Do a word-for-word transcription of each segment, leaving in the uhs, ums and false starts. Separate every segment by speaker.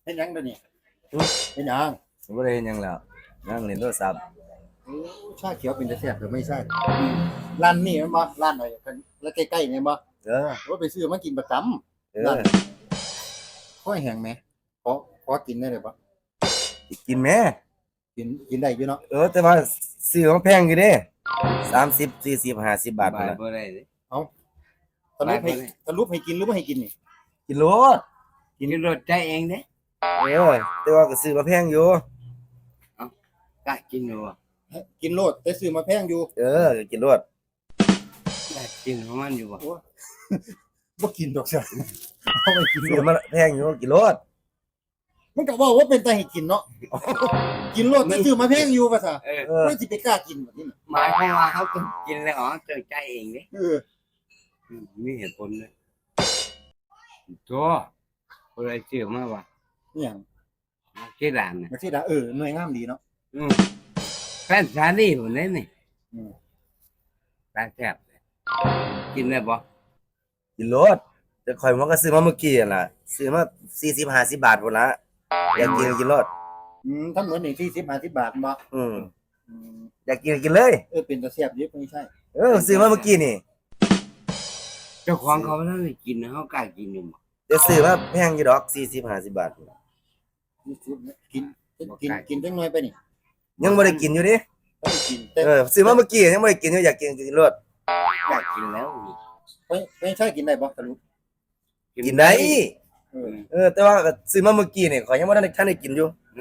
Speaker 1: เป็นหยังเดี๋ยวนี้เป็นหยัง
Speaker 2: บ่ได้เฮ็ดหยังแล้วนั่งเล่นโทรศัพท์
Speaker 1: โอ้ชาเขียวเป็นจะแซ่บหรือไม่ใช่ร้านนี่แมันบ่ร้านหน่อยแล้วใกล้ๆนี่บ่
Speaker 2: เออ
Speaker 1: ว่าไปซื้อมากินประจ
Speaker 2: เอ
Speaker 1: ำร้า
Speaker 2: อน
Speaker 1: ค่อยแห้งไหมขอขอกินได้เลยบ่
Speaker 2: กินแหม
Speaker 1: กินกินได้อยู่เนาะ
Speaker 2: เออแต่ว่าซื้อมันแพงอยู่เด้สามสิบ สี่สิบ ห้าสิบบาท
Speaker 3: บา
Speaker 2: พุ่น
Speaker 3: ย
Speaker 2: ล่ะ
Speaker 3: บ่ได้เลย
Speaker 1: เอาสรุปให้
Speaker 3: ไปไปเลย
Speaker 1: สรุปให้กินหรือไม่ให้กินนี่
Speaker 2: กินโลด
Speaker 3: กินรถใจเองเด้
Speaker 2: เออแต่ว่าก็ซื้อมาแพงอยู่
Speaker 3: กะกินอยู่บ่
Speaker 1: กินโลดแต่ซื้อมาแพงอยู่
Speaker 2: เออก็กินโลด
Speaker 3: กะกินของมันอยู่บ่
Speaker 1: บ่กินดอกจ้ะเอาไปกินโล
Speaker 2: ซื้อ
Speaker 1: ด
Speaker 2: มาแพงอยู่กินโลด
Speaker 1: มันก็ว่าว่าเป็นตาให้กินเนาะกินโลดแต่ซื้อมาแพงอยู่ว่าซะ
Speaker 3: เออ
Speaker 2: เออ
Speaker 1: ไม่สิไปกล้ากินแบบนี้น่ะ
Speaker 3: หมายความว่าเขาต้องกินแล้วอ๋อเจอใจเองเด้
Speaker 1: เออ
Speaker 3: อืมมีเหตุผลเลยตัวคนไรเชื่อมาว่า
Speaker 1: นี่หยัง
Speaker 3: ที่ร้านน่ะ
Speaker 1: มาสิดาเออหน่วยงามดีเนาะ
Speaker 3: อืมแฟนชาลีพุ่นเด้นี่
Speaker 1: อืม
Speaker 3: ตาแซ่บเลยกินได้บ่
Speaker 2: กินโลดแต่ข่อยมันก็ซื้อมาเมื่อกี้นั่นล่ะซื้อมาสี่สิบ ห้าสิบบาทพุ่นละอยากกินก็กินโลด
Speaker 1: อืมทั้งหมดนี่สี่สิบ ห้าสิบบาทบ่
Speaker 2: อืม
Speaker 1: อืม
Speaker 2: อยากกินก็กินเลย
Speaker 1: เออเป็นตาแซ่บอยู่ไม่ใช่
Speaker 2: เออซื้อมาเมื่อกี้นี่
Speaker 3: เจ้าของเขาบ่ทันได้กินนะเขากล้ากินอยู่บ่
Speaker 2: เดี๋ยวซื้อมาแพงอยู่ดอกสี่สิบ ห้าสิบบาทพุ่นล่ะ
Speaker 1: สี่สิบกินกินกินจังหน่อยไปนี่
Speaker 2: ยังบ่ได้กินอยู่ดิ
Speaker 1: บ่ได้กินแต่
Speaker 2: เออซื้อมาเมื่อกี้ยังบ่ได้กินอยู่อยากกินก็กินโลด
Speaker 3: อยากกินแล้วนี่
Speaker 1: ไม่ไม่ใช่กินได้บ่สรุป
Speaker 2: กินได้
Speaker 1: เออ
Speaker 2: เออแต่ว่าก็ซื้อมาเมื่อกี้นี่ข่อยยังบ่ทันได้ทันได้กินอยู่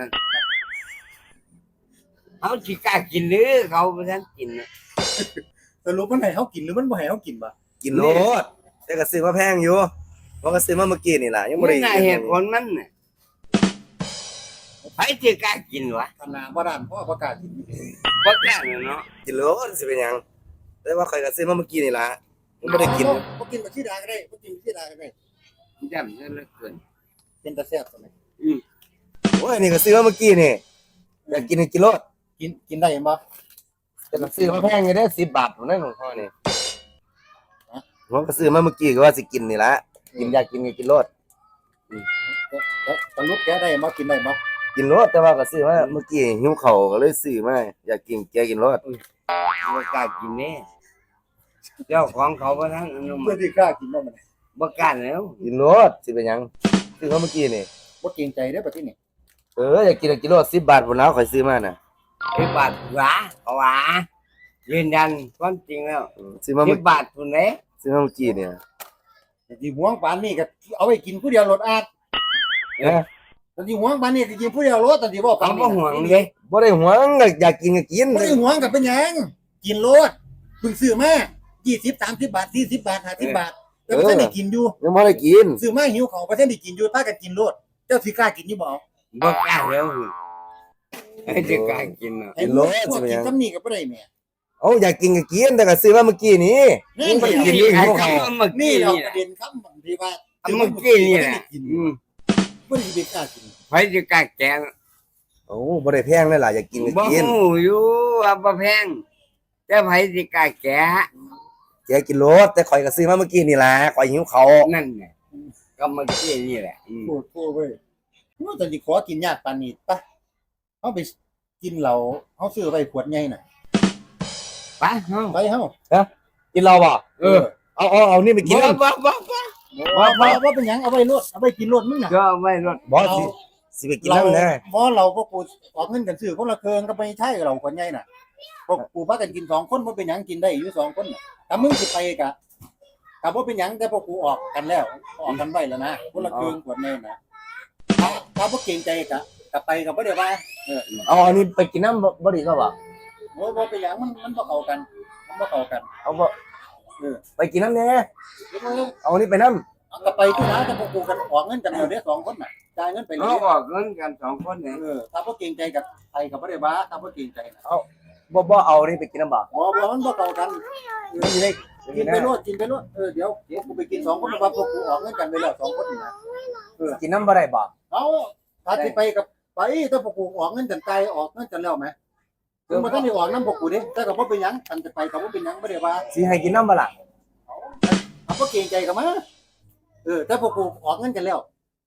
Speaker 3: เขาสิกล้ากินหรือเขาบ่ทันกินน่ะ
Speaker 1: สรุปมันให้เฮากินหรือมันบ่ให้เฮากินบ่
Speaker 2: กินโลดแต่ก็ซื้อมาแพงอยู่เพราะก็ซื้อมาเมื่อกี้นี่ล่ะยังบ่
Speaker 3: ไม่
Speaker 2: ได้
Speaker 3: น่าเหตุผลมันน่ะใครจะกล้ากินวะ
Speaker 1: ขนาดบ่ด้านพ่อบ่กล้ากิน
Speaker 3: บ่กล้าเลยเนาะ
Speaker 2: กินโลดสิเป็นหยังแต่ว่าข่อยก็ซื้อมาเมื่อกี้นี่ล่ะยังบ่ได้กิน
Speaker 1: บ่กินบักชีดาก็ได้บ่กินบักชีดาก็ได้
Speaker 3: จำซะเหลือเกิน
Speaker 1: เป็นตาแซ่บซั่น
Speaker 3: อืม
Speaker 2: โอ้ยนี่ก็ซื้อมาเมื่อกี้นี่อยากกินก็กินโลด
Speaker 1: กินกินได้บ่
Speaker 2: แต่ก็ซื้อมาแพงอยู่เด้อสิบบาทพุ่นนั่นของพ่อนี่ผมก็ซื้อมาเมื่อกี้ก็ว่าสิกินนี่ล่ะกินอยากกินก็กินโลด
Speaker 1: สรุปแกได้บ่กินได้บ่
Speaker 2: กินโลดแต่ว่าก็ซื้อมาเมื่อกี้หิวข้าวก็เลยซื้อมาอยากกินแกกินโลด
Speaker 3: บ่กล้ากินแน่เจ้าของเขาบ่ทันอนุมั
Speaker 1: เพื่อ
Speaker 3: ติ
Speaker 1: ที่กล้ากินบ่มัน
Speaker 3: บ่กล้าแล้ว
Speaker 2: กินโลดสิเป็นหยังซื้อมาเมื่อกี้นี่
Speaker 1: บ่เกรงใจเด้อบัดนี้
Speaker 2: เอออยากกินก็กินโลดสิบบาทพุ่นแล้วข่อยซื้อมาน่ะ
Speaker 3: สิบบาทหวาเขาหวายืนยันความจริงแล้ว
Speaker 2: อืมซื้อมา
Speaker 3: สิ
Speaker 2: เมื่
Speaker 3: บ
Speaker 2: อบ
Speaker 3: าทพุ่นเด้
Speaker 2: ซื้อมาเมื่อกี้เนี่ย
Speaker 1: แต่สิหวงปานนี้ก็เอาไว้กินผู้เดียวรถอาด
Speaker 2: เอ้ย
Speaker 1: แต่สิหวงปานนี้ก็กินผู้เดียวรถแต่สิบ่ปา
Speaker 3: เขา
Speaker 1: น
Speaker 3: บ่
Speaker 1: นี้
Speaker 3: ห่วงเด้
Speaker 2: บ่ได้หวงอยากกินก็กิน
Speaker 1: บ่ได้หวงก็เป็นหยังกินรถเพิ่งซื้อมายี่สิบ สามสิบบาทสี่สิบบาทห้าสิบบาทแต่บ่ทันได้กินอยู่
Speaker 2: ยังบ่ได้กิน
Speaker 1: ซื้อมาหิวข้าวบ่ทันได้กินอยู่พากันกินรถเจ้าสิกล้ากินอยู่บ่
Speaker 3: บ่กล้าแล้วไอ้จะกล้ากินน่ะ
Speaker 1: ไอ้รถพวกกินซ้ำนี่ก็บ่ได้แหม่
Speaker 2: เอ้าอยากกินก็กินแต่ก็ซื้อมาเมื่อกี้นี้
Speaker 1: นี่
Speaker 2: ยังบ่ได้กิน
Speaker 1: นี่
Speaker 2: อยู่
Speaker 3: ไอ้
Speaker 2: หิว
Speaker 3: ค
Speaker 2: ข้าว
Speaker 3: ำเมื่อ
Speaker 1: นี่
Speaker 3: กี้
Speaker 1: เรา
Speaker 3: นี่
Speaker 1: ประเด็นคำที่ว่า
Speaker 3: เมื่อกี้นี่แหละ
Speaker 1: กิน
Speaker 3: อืม
Speaker 1: บ่ได้ไปกล้ากิน
Speaker 3: ไผจะกล้าแกง
Speaker 2: โอ้บ่ได้แพงเลยล่ะอยากกินก็
Speaker 3: บ่
Speaker 2: กิน
Speaker 3: ฮู้อยู่ว่าบ่แพงแต่ไผสิกล้าแกะ
Speaker 2: แกกินโลดแต่ข่อยก็ซื้อมาเมื่อกี้นี่ล่ะข่อยหิวข้าว
Speaker 3: นั่นน่ะก็เมื่อกี้นี่แหละอืม
Speaker 1: โอ้โหเว้ยว่าแต่สิขอกินยากปานนี้ปะเฮาไปกินเหล้าเฮาซื้อไว้ขวดใหญ่น่ะ
Speaker 3: ไปเฮา
Speaker 1: ไปเฮา
Speaker 2: กินเราบ่
Speaker 3: เออ
Speaker 2: เอาเอาเอานี่ไปกิน
Speaker 3: บ่
Speaker 2: แล้ว
Speaker 3: บ่บ่บ่
Speaker 1: ว่าว่าว่าเป็นหยังเอาไว้รถเอาไว้กินรถมึงน่ะ
Speaker 3: ก็เอาไว้รถ
Speaker 2: บ่สิสิไปกิน
Speaker 1: เรา
Speaker 2: นำแน่
Speaker 1: บ่เราก็กูออกเงินกันซื้อคนละเครื่องก็ไม่ใช่เราขวดใหญ่น่ะพวกกูพากันกินสองคนบ่เป็นหยังกินได้อยู่สองคนน่ะถ้ามึงสิไปกะก็บ่เป็นหยังแต่พวกกูออกกันแล้วออกกันไว้แล้วนะคนละเครื่องขวดใหญ่น่ะถ้าถ้าบ่เกรงใจกะก็ไปก็บ่ได้ว่าเออ
Speaker 2: เอาอันนี้ไปกินน้ำบ่บ่ดีก็บ่
Speaker 1: บ่บ่เป็นหยังมันมันบ่เข้ากันมันบ่เข้ากัน
Speaker 2: เอาบ่
Speaker 1: เออ
Speaker 2: ไปกินน้ำแน่
Speaker 1: เดี๋ยวมึง
Speaker 2: เอาอันนี้ไปน้
Speaker 1: เอากลับไปที่ร้านแต่พวกกูกันออกเงินกันแล้วเด้อสองคนน่ะจ่ายเงินไปเล
Speaker 3: เรา
Speaker 1: ย
Speaker 3: ออกเงินกันสองคนเนี่ย
Speaker 1: เออถ้าบ่เกรงใจกับใครก็บ่ได้ว่าถ้าบ่เกรงใจน่ะ
Speaker 2: ำบ่บ่เอาอันนี้ไปกินน้ำบ่
Speaker 1: บ่บ่มันบ่เข้ากัน
Speaker 2: มันอยู่ใน
Speaker 1: กินไปรวดกินไปรวดเออเดี๋ยวเดี๋ยวกูไปกินสองคนเพราะว่าพวกกูออกเงินกันไปแล้วสองคนนี่นะ
Speaker 2: กินน้ำบ่ได้บ่
Speaker 1: เอาถ้าสิไปกับไปถ้าพวกกูออกเงินกันไกลออกเงินกันแล้วไหมถึงบ่ทันได้ออกนำพวกกูเด้แต่ก็บ่เป็นหยังคันจะไปก็บ่เป็นหยังบ่ได้ว่า
Speaker 2: สิให้กินน้ำบ่ล่ะ
Speaker 1: เอาบ่เกรงใจก็มาเออแต่พวกกูออกเงินกันแล้ว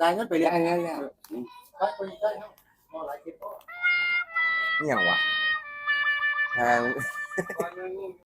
Speaker 1: จ่ายเงินไปเรียน
Speaker 3: ได้แล้วแล้ว
Speaker 1: ไปไปใช่เฮาบ่หลายคิดบ่
Speaker 2: นี่หยังวะทาง